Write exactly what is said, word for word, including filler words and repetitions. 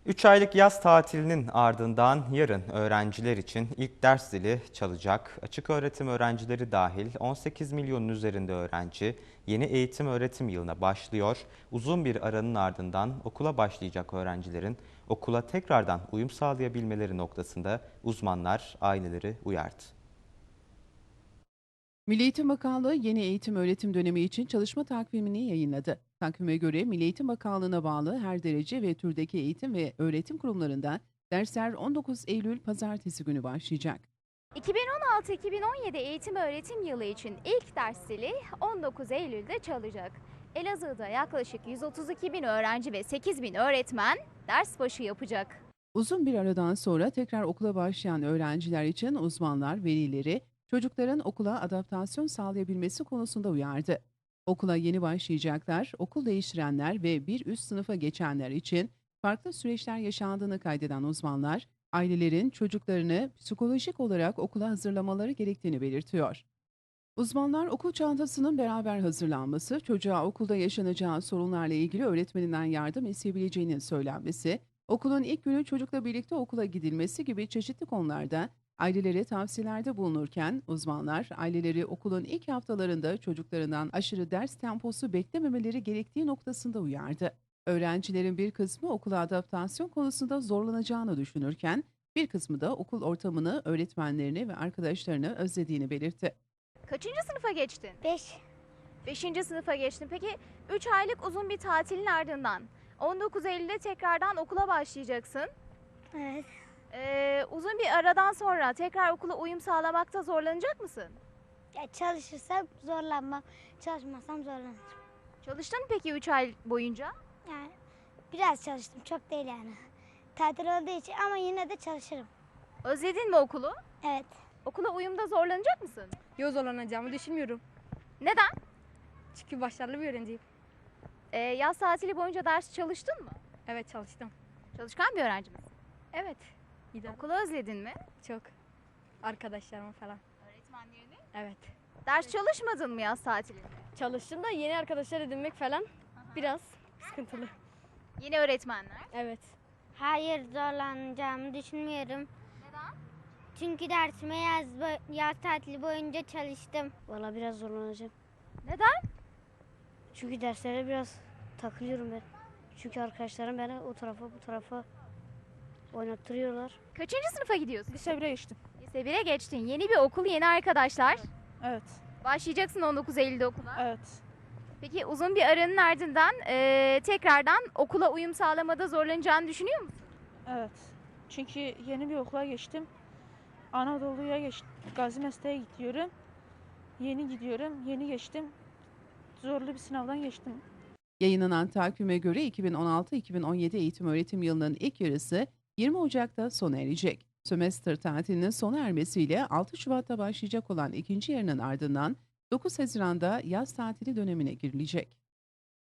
üç aylık yaz tatilinin ardından yarın öğrenciler için ilk ders zili çalacak. Açık öğretim öğrencileri dahil on sekiz milyonun üzerinde öğrenci yeni eğitim öğretim yılına başlıyor. Uzun bir aranın ardından okula başlayacak öğrencilerin okula tekrardan uyum sağlayabilmeleri noktasında uzmanlar aileleri uyardı. Milli Eğitim Bakanlığı yeni eğitim öğretim dönemi için çalışma takvimini yayınladı. Takvime göre Milli Eğitim Bakanlığı'na bağlı her derece ve türdeki eğitim ve öğretim kurumlarında dersler on dokuz Eylül Pazartesi günü başlayacak. iki bin on altı iki bin on yedi eğitim öğretim yılı için ilk ders zili on dokuz Eylül'de çalacak. Elazığ'da yaklaşık yüz otuz iki bin öğrenci ve sekiz bin öğretmen ders başı yapacak. Uzun bir aradan sonra tekrar okula başlayan öğrenciler için uzmanlar velileri çocukların okula adaptasyon sağlayabilmesi konusunda uyardı. Okula yeni başlayacaklar, okul değiştirenler ve bir üst sınıfa geçenler için farklı süreçler yaşandığını kaydeden uzmanlar, ailelerin çocuklarını psikolojik olarak okula hazırlamaları gerektiğini belirtiyor. Uzmanlar okul çantasının beraber hazırlanması, çocuğa okulda yaşanacağı sorunlarla ilgili öğretmeninden yardım isteyebileceğinin söylenmesi, okulun ilk günü çocukla birlikte okula gidilmesi gibi çeşitli konularda ailelere tavsiyelerde bulunurken uzmanlar aileleri okulun ilk haftalarında çocuklarından aşırı ders temposu beklememeleri gerektiği noktasında uyardı. Öğrencilerin bir kısmı okula adaptasyon konusunda zorlanacağını düşünürken bir kısmı da okul ortamını, öğretmenlerini ve arkadaşlarını özlediğini belirtti. Kaçıncı sınıfa geçtin? Beş. Beşinci sınıfa geçtin. Peki üç aylık uzun bir tatilin ardından on dokuz Eylül'de tekrardan okula başlayacaksın. Evet. Ee, uzun bir aradan sonra tekrar okula uyum sağlamakta zorlanacak mısın? Ya çalışırsam zorlanmam. Çalışmazsam zorlanırım. Çalıştın mı peki üç ay boyunca? Yani biraz çalıştım. Çok değil yani. Tatil olduğu için ama yine de çalışırım. Özledin mi okulu? Evet. Okula uyumda zorlanacak mısın? Yok, zorlanacağımı düşünmüyorum. Neden? Çünkü başarılı bir öğrenciyim. Ee, yaz tatili boyunca ders çalıştın mı? Evet, çalıştım. Çalışkan bir öğrenci misin? Evet. İyi de Okulu özledin mi? çok. Arkadaşlarım falan. Öğretmenlerini? Evet. Ders çalışmadın mı yaz tatilinde? Çalıştım da yeni arkadaşlar edinmek falan biraz sıkıntılı. Yeni öğretmenler. Evet. Hayır, zorlanacağımı düşünmüyorum. Neden? Çünkü dersime yaz, yaz tatili boyunca çalıştım. Valla biraz zorlanacağım. Neden? Çünkü derslere biraz takılıyorum ben. Çünkü arkadaşlarım beni o tarafa bu tarafa oynattırıyorlar. Kaçıncı sınıfa gidiyorsun? Lise bire geçtim. Lise bire geçtin. Yeni bir okul, yeni arkadaşlar. Evet, Başlayacaksın on dokuz Eylül'de okula. evet. Peki uzun bir aranın ardından eee, tekrardan okula uyum sağlamada zorlanacağını düşünüyor musun? Evet. Çünkü yeni bir okula geçtim. Anadolu'ya geçtim. Gazi Mesleğe gidiyorum. Yeni gidiyorum. Yeni geçtim. Zorlu bir sınavdan geçtim. Yayınlanan takvime göre iki bin on altı iki bin on yedi eğitim öğretim yılının ilk yarısı yirmi Ocak'ta sona erecek. Sömestr tatilinin sona ermesiyle altı Şubat'ta başlayacak olan ikinci yarının ardından dokuz Haziran'da yaz tatili dönemine girilecek.